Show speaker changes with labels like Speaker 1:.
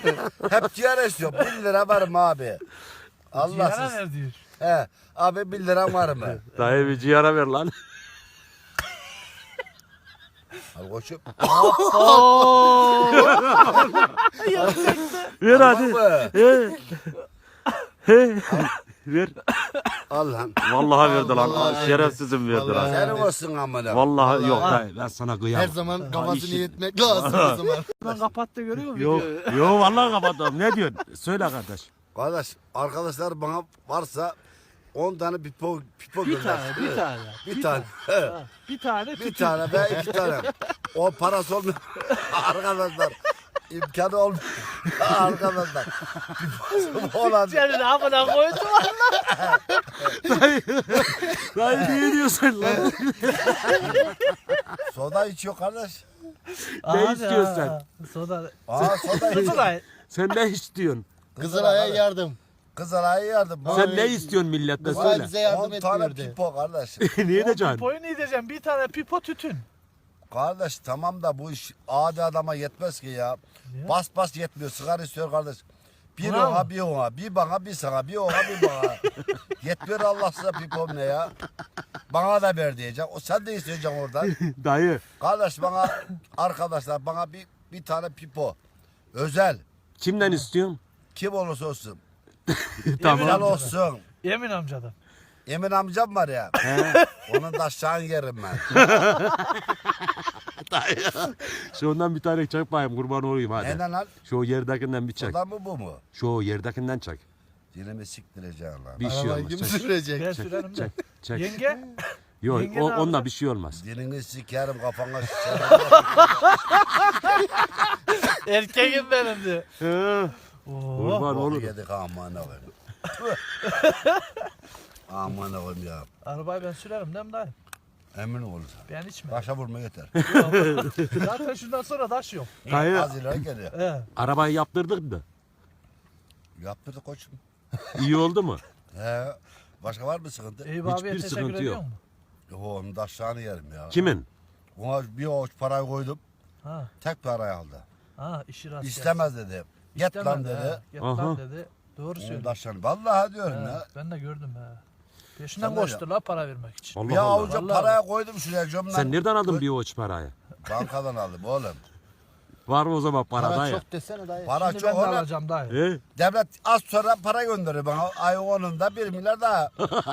Speaker 1: Hep ciğer istiyor. 1 lira var mı abi?
Speaker 2: Ciğere
Speaker 1: Allahsız.
Speaker 2: ver diyor.
Speaker 1: He. Abi 1 lira var mı?
Speaker 3: Dayı bir ciğere ver lan.
Speaker 1: Al koçum.
Speaker 3: Ver hadi.
Speaker 1: mı?
Speaker 3: He. He. Ver.
Speaker 1: Al lan.
Speaker 3: Vallahi verdi lan.
Speaker 4: Vallahi
Speaker 3: Şerefsizim verdi
Speaker 4: Vallahi.
Speaker 3: lan.
Speaker 1: Senin olsun amına.
Speaker 3: Vallahi yok dayı ben sana
Speaker 4: Her
Speaker 3: kıyamam.
Speaker 4: zaman kafasını
Speaker 3: işi-
Speaker 4: yetmek lazım o zaman.
Speaker 2: Lan kapattı görüyor musun?
Speaker 3: Yok yok vallahi kapattım. Ne diyorsun? Söyle kardeş.
Speaker 1: Kardeş arkadaşlar bana varsa 10 tane pipo
Speaker 2: Bir
Speaker 1: gönder.
Speaker 2: tane, bir tane.
Speaker 1: Bir tane.
Speaker 2: Bir tane
Speaker 1: Bir
Speaker 2: tütün.
Speaker 1: tane ve 2 tane. O parası olmuyor. Arkadaşlar. İmkanı olmuyor. Arkadaşlar. Piposu olan.
Speaker 2: Senin amına koydum.
Speaker 3: Dayı niye diyorsun lan?
Speaker 1: Soda içiyor kardeş.
Speaker 3: Ne istiyorsun sen?
Speaker 2: Soda.
Speaker 1: Soda içiyor.
Speaker 2: Soda.
Speaker 3: Sen ne istiyorsun?
Speaker 4: Kızılay'a yardım.
Speaker 1: Kızılay'a yardım.
Speaker 3: Sen ne istiyorsun milletten
Speaker 4: Kızılay
Speaker 3: söyle.
Speaker 4: bize yardım
Speaker 1: 10 tane
Speaker 4: etmiyordu.
Speaker 1: pipo kardeş.
Speaker 3: Niye de can?
Speaker 2: Pipoyu ne diyeceğim? Bir tane pipo tütün.
Speaker 1: Kardeş tamam da bu iş adi adama yetmez ki ya.
Speaker 2: Niye?
Speaker 1: Bas bas yetmiyor. Sigara istiyor kardeş. Bir
Speaker 2: Bravo.
Speaker 1: ona bir ona. Bir bana bir sana. Bir ona bir bana. Yetmiyor Allah size pipom ne ya. Bana da ver diyecek. O sen de isteyeceksin oradan.
Speaker 3: Dayı.
Speaker 1: Kardeş bana arkadaşlar bana bir tane pipo. Özel.
Speaker 3: Kimden istiyorsun?
Speaker 1: Kim olursa olsun.
Speaker 3: Tamam.
Speaker 1: Özel olsun.
Speaker 2: Emin amcadan.
Speaker 1: Emin amcam var ya. Onun da aşağı yerim ben.
Speaker 3: Şu ondan bir tane çek bayım kurban olayım hadi.
Speaker 1: Neden lan?
Speaker 3: Şu yerdekinden bir çek.
Speaker 1: Soda mı bu mu?
Speaker 3: Şu yerdekinden çek.
Speaker 1: Dilimi siktireceğim lan.
Speaker 3: Bir şey
Speaker 4: Arabayı
Speaker 3: olmaz.
Speaker 4: kim
Speaker 3: Çek.
Speaker 4: sürecek?
Speaker 2: Ben
Speaker 3: Çek,
Speaker 2: sürerim de.
Speaker 3: çek, çek.
Speaker 2: Yenge.
Speaker 3: Yok
Speaker 2: Yenge ne
Speaker 3: onunla
Speaker 2: yapacak?
Speaker 3: bir şey olmaz.
Speaker 1: Dilini sikerim kafana şişerim.
Speaker 2: Erkeğim benim de.
Speaker 3: Kurban
Speaker 2: Oo.
Speaker 3: olur.
Speaker 1: Yedik aman koyayım. Aman koyayım ya.
Speaker 2: Arabayı ben sürerim değil mi dayı?
Speaker 1: Emin ol.
Speaker 2: Ben içmem.
Speaker 1: Taşa vurma yeter.
Speaker 2: Zaten şundan sonra taş yok.
Speaker 3: Dayı
Speaker 1: Az ileri geliyor.
Speaker 2: He.
Speaker 3: arabayı yaptırdık da.
Speaker 1: Yaptırdık koçum.
Speaker 3: İyi oldu mu?
Speaker 1: He. Başka var mı sıkıntı?
Speaker 2: Eyüp abiye
Speaker 3: Hiçbir
Speaker 2: teşekkür
Speaker 3: sıkıntı
Speaker 2: ediyor
Speaker 3: yok.
Speaker 2: mu?
Speaker 1: Yok onun da aşağını yerim ya.
Speaker 3: Kimin?
Speaker 1: Ona bir avuç parayı koydum.
Speaker 2: Ha.
Speaker 1: Tek parayı aldı.
Speaker 2: Ha işi rast
Speaker 1: İstemez dedi. Get
Speaker 2: gelsin.
Speaker 1: lan
Speaker 2: İstemedi,
Speaker 1: dedi.
Speaker 2: ha. Get
Speaker 3: Aha.
Speaker 2: lan dedi. Doğru
Speaker 1: Onun da
Speaker 2: söylüyor.
Speaker 1: aşağını. Vallahi diyorum
Speaker 2: He,
Speaker 1: ya.
Speaker 2: ben de gördüm he. Peşinden
Speaker 1: Sen de
Speaker 2: koştular para vermek için.
Speaker 1: Bir
Speaker 3: Allah Allah.
Speaker 1: avuca
Speaker 2: Vallahi.
Speaker 1: paraya koydum şuraya cömlen.
Speaker 3: Sen nereden aldın bir avuç parayı?
Speaker 1: Bankadan aldım oğlum.
Speaker 3: Var mı o zaman para
Speaker 4: Para
Speaker 3: dayı?
Speaker 4: çok desene dayı.
Speaker 1: Para
Speaker 2: Şimdi
Speaker 1: çok
Speaker 2: ben de
Speaker 1: oğlum.
Speaker 2: alacağım dayı.
Speaker 3: He?
Speaker 1: Devlet az sonra para gönderiyor bana. Ay onun da 1 milyar daha.